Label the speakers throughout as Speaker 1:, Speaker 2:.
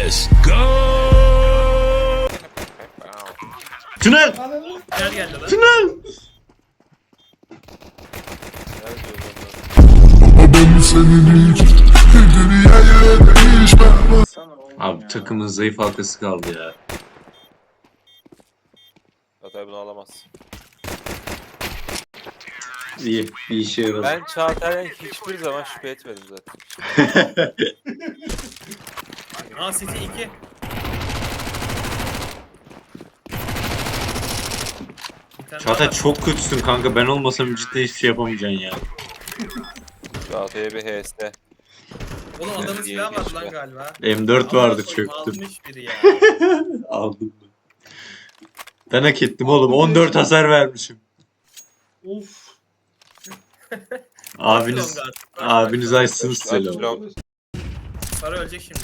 Speaker 1: Let's go.
Speaker 2: Tünel!
Speaker 3: Gel geldi lan.
Speaker 2: Tünel! Abi takımın zayıf halkası kaldı ya.
Speaker 4: Çağatay bunu alamaz.
Speaker 2: İyi, bir işe yaradı.
Speaker 4: Ben Çağatay'dan hiçbir zaman şüphe etmedim zaten.
Speaker 3: Aa City 2.
Speaker 2: Çağatay çok kötüsün kanka, ben olmasam cidden hiçbir şey yapamayacaksın ya.
Speaker 4: Çağatay'a bir HS.
Speaker 3: Oğlum adamın silahı var lan galiba.
Speaker 2: M4 vardı,
Speaker 3: Amına koyayım,
Speaker 2: çöktüm.
Speaker 3: Almış biri ya.
Speaker 2: Aldım ben. Ben hak ettim oğlum, 14 hasar vermişim.
Speaker 5: Of.
Speaker 2: Abiniz açsınız selam.
Speaker 4: Long.
Speaker 3: Para ölecek şimdi.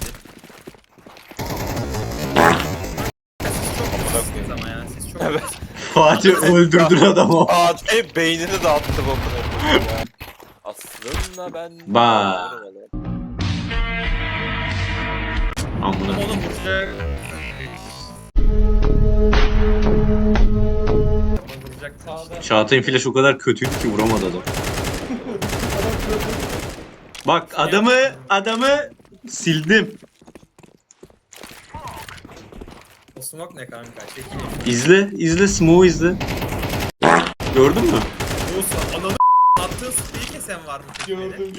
Speaker 3: Siz çok ama ya siz çok
Speaker 4: Evet.
Speaker 2: Fatih öldürdün adamı.
Speaker 4: Çağatay beynini dağıttı bokunu. Aslında ben...
Speaker 2: Ba. Amına.
Speaker 3: Oğlum vuracak. Vuracak.
Speaker 5: Sağda.
Speaker 2: Çağatay'ın flash o kadar kötüydü ki vuramadı adam. Bak adamı sildim.
Speaker 3: O smoke ne kanka?
Speaker 2: İzle smoke'u izle. Gördün mü?
Speaker 3: Olsa ananı attığın spreyi kesen var mı?
Speaker 5: Gördüm.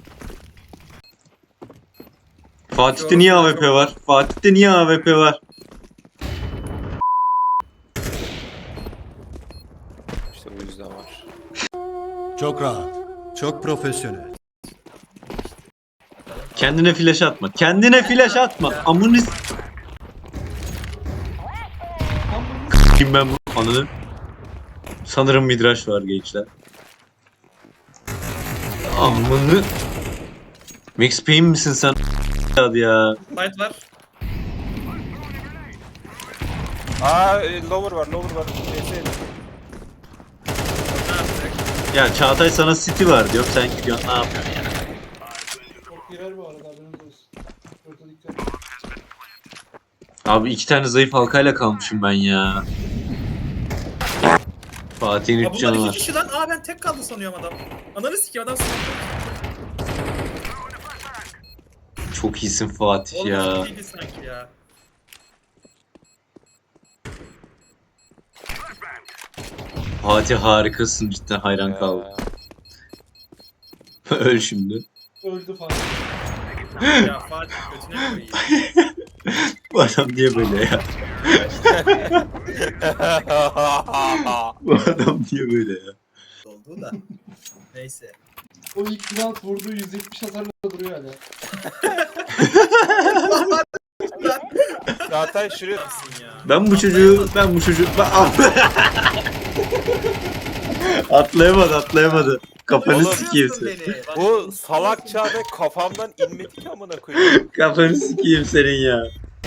Speaker 2: Fatih'te niye AWP var? Fatih'te niye AWP var?
Speaker 4: İşte bu yüzden var.
Speaker 1: Çok rahat. Çok profesyonel.
Speaker 2: Kendine flash atma. Kendine flash atma. Amını kim ben bu ananı? Sanırım midrash var gençler. Amını. Max Payne misin sen? Hadi ya.
Speaker 3: Fight var.
Speaker 4: Lower var. HS.
Speaker 3: Ne yapacak?
Speaker 2: Ya Çağatay sana City var diyor. Sen gidiyorsun ne yapıyorsun ya?
Speaker 5: Çok girer bu arada, haberiniz olsun. Orta dikkat.
Speaker 2: Abi 2 tane zayıf halkayla kalmışım ben ya. Fatih'in
Speaker 3: Aa
Speaker 2: 3
Speaker 3: bunlar
Speaker 2: canı
Speaker 3: 2
Speaker 2: var.
Speaker 3: kişi lan. Aa ben tek kaldı sanıyorum adam. Ananı sikeyim adam smoke.
Speaker 2: Çok iyisin Fatih ya.
Speaker 3: Olmaz değildi sanki ya.
Speaker 2: Fatih harikasın, cidden hayran kaldım. Öl şimdi.
Speaker 5: Öldü falan.
Speaker 3: Ya Fatih götüne koyayım.
Speaker 2: Bu adam niye böyle ya? Bu adam niye böyle ya?
Speaker 3: Oldu da. Neyse.
Speaker 5: O ilk round vurduğu 170 hasarla duruyor hala.
Speaker 4: Çağatay şuraya...
Speaker 3: Nasılsın ya?
Speaker 2: Ben bu çocuğu atlayamadı. Kafanı
Speaker 4: Oğlum,
Speaker 2: sikeyim
Speaker 3: Nasıl
Speaker 2: seni.
Speaker 3: beni? Bak,
Speaker 4: Bu salak Çağatay kafamdan inmedi ki amına koyayım.
Speaker 2: Kafanı sikeyim senin ya.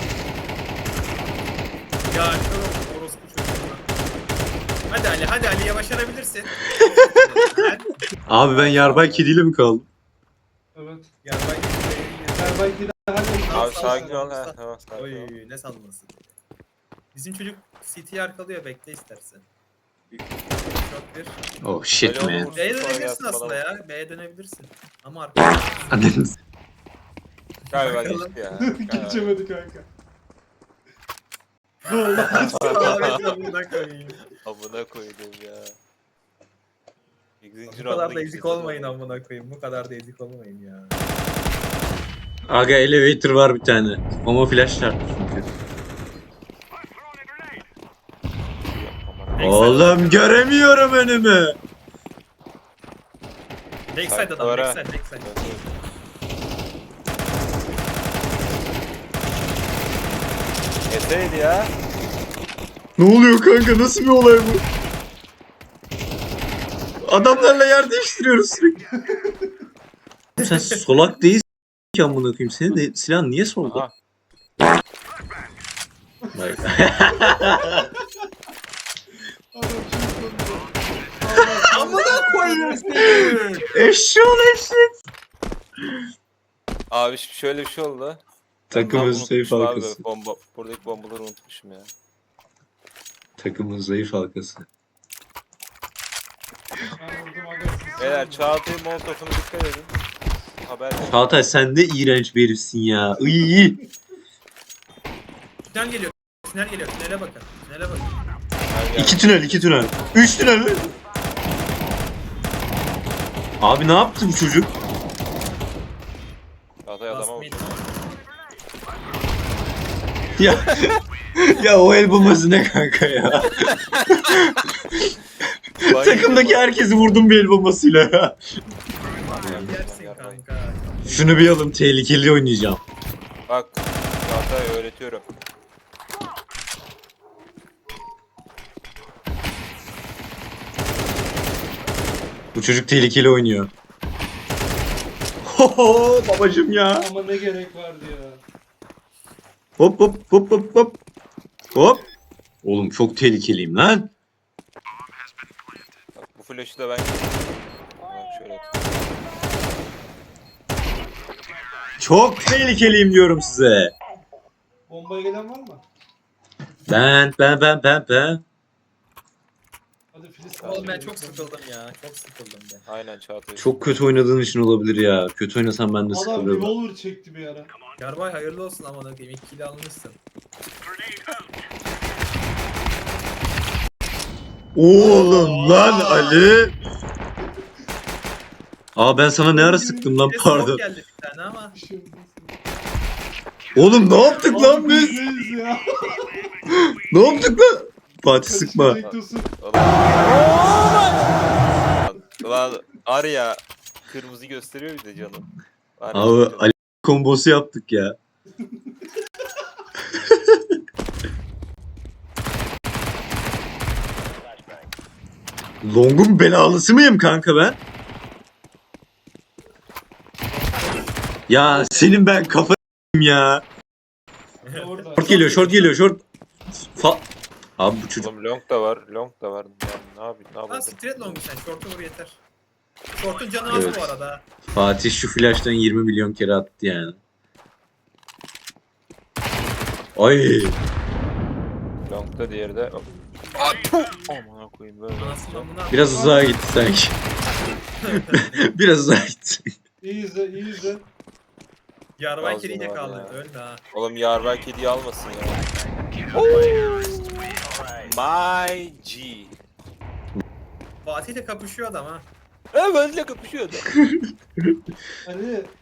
Speaker 3: Ya kör orospu çocuğu. Hadi Ali'ye başarabilirsin.
Speaker 2: Abi ben yarbay kediyle mi kaldım?
Speaker 5: Evet.
Speaker 3: Ya bak.
Speaker 5: Belki daha
Speaker 4: Abi sakin ol. Tamam sakin ol.
Speaker 3: Oy ne salması. Bizim çocuk CT'yi arkalıyor, bekle istersen. Çok bir.
Speaker 2: Oh shit
Speaker 4: Alo,
Speaker 2: man.
Speaker 4: vursun
Speaker 3: B'ye
Speaker 4: sonra
Speaker 3: dönebilirsin
Speaker 4: gelsin
Speaker 3: aslında
Speaker 4: bana.
Speaker 3: ya. B'ye dönebilirsin. Ama arkada.
Speaker 2: Anneniz.
Speaker 4: Galiba geçti ya.
Speaker 5: geçemedi kanka.
Speaker 3: Amına koyayım.
Speaker 4: Amına koydum ya.
Speaker 3: Bu kadar da ezik olmayın amına koyayım. Bu kadar da ezik olmayın ya.
Speaker 2: Aga elevator var bir tane. Ama flash çarptı çünkü. Oğlum göremiyorum önümü.
Speaker 3: Backside adam, backside.
Speaker 4: Yeseydi ya.
Speaker 2: Ne oluyor kanka, nasıl bir olay bu? Adamlarla yer değiştiriyoruz sürekli. Sen solak değilsin ki amına koyayım. Senin de silahın niye solda?
Speaker 4: Aha.
Speaker 2: Bak.
Speaker 5: Adam çok komik.
Speaker 3: Amına koyayım seni.
Speaker 2: Eşşoğlu eşek.
Speaker 4: Abi şöyle bir şey oldu.
Speaker 2: Takımın zayıf
Speaker 4: Unutmuşum abi,
Speaker 2: halkası.
Speaker 4: buradaki bombaları unutmuşum ya.
Speaker 2: Takımın zayıf halkası.
Speaker 5: Ben vurdum aga. siz
Speaker 4: Beyler
Speaker 5: vurun.
Speaker 4: Çağatay'ın molotofuna dikkat edin. Haber verin.
Speaker 2: Çağatay sen de iğrenç bir herifsin ya. İyi.
Speaker 3: Tünel geliyor. Tünel geliyor. Tünele bakın. Tünele bakın.
Speaker 4: Her yer-
Speaker 2: 2 tünel, 2 tünel. 3 tünel mi? Abi ne yaptı bu çocuk?
Speaker 4: Çağatay adama
Speaker 3: Basmayın.
Speaker 4: vurdu.
Speaker 2: Ya ya o el bombası ne kanka ya? Takımdaki herkesi vurdum bir el bombasıyla ya.
Speaker 3: Yersin kanka.
Speaker 2: Şunu bir alın, tehlikeli oynayacağım.
Speaker 4: Bak Çağatay öğretiyorum.
Speaker 2: Bu çocuk tehlikeli oynuyor. Ho babacım ya.
Speaker 5: Ama ne gerek vardı ya.
Speaker 2: Hop hop hop hop hop. Hop. Oğlum çok tehlikeliyim lan.
Speaker 4: Bak bu flash'ı da ben... Bak şöyle at.
Speaker 2: Çok tehlikeliyim diyorum size.
Speaker 5: Bombaya gelen var mı?
Speaker 2: Ben.
Speaker 5: Hadi Filiz.
Speaker 3: Oğlum ben çok sıkıldım ya. Çok sıkıldım ben.
Speaker 4: Aynen Çağatay.
Speaker 2: Çok kötü oynadığın için olabilir ya. Kötü oynasam ben de
Speaker 5: Adam
Speaker 2: sıkılırım.
Speaker 5: revolver çekti bir ara.
Speaker 3: Yarbay hayırlı olsun aman akıyım. 2 kilo almışsın.
Speaker 2: Oğlum lan Ali. Aa ben sana ne ara sıktım lan
Speaker 3: Bir de
Speaker 2: pardon.
Speaker 3: smoke geldi bir tane ama.
Speaker 5: Bir şey olmaz.
Speaker 2: Oğlum ne yaptık lan
Speaker 5: Abi
Speaker 2: biz?
Speaker 5: bizeyiz ya.
Speaker 2: Ne yaptık lan? Fatih sıkma.
Speaker 5: Bekliyorsun.
Speaker 4: Ulan Arya kırmızı gösteriyor bir de canım. Arya
Speaker 2: Abi
Speaker 4: canım.
Speaker 2: Ali kombosu yaptık ya. Long'un belalısı mıyım kanka ben? Ya senin ben kafa ya.
Speaker 5: Orada.
Speaker 2: Short geliyor, short geliyor, short. Abi bu çocuk.
Speaker 4: Oğlum long da var, long da var. Yani ne yapayım, ne
Speaker 3: Lan
Speaker 4: yapayım?
Speaker 3: straight long'u sen. Short'u vur yeter. Short'un canı az
Speaker 2: Evet.
Speaker 3: bu arada.
Speaker 2: Fatih şu flash'tan 20 milyon kere attı yani. Ay.
Speaker 4: Long da diğeri de... Aman koyayım böyle.
Speaker 3: Anasını buna.
Speaker 2: Biraz uzağa gitti sanki. Biraz uzağa gitti.
Speaker 5: İyi izle, iyi izle.
Speaker 3: Yarbay
Speaker 4: Ağzına
Speaker 3: keriyle
Speaker 4: var
Speaker 3: kaldı.
Speaker 4: ya.
Speaker 3: Ölme ha.
Speaker 4: Oğlum yarber kediyi almasın ya. My G.
Speaker 3: Fatih'le kapışıyor adam ha.
Speaker 4: Evet benimle kapışıyordu.
Speaker 5: Ali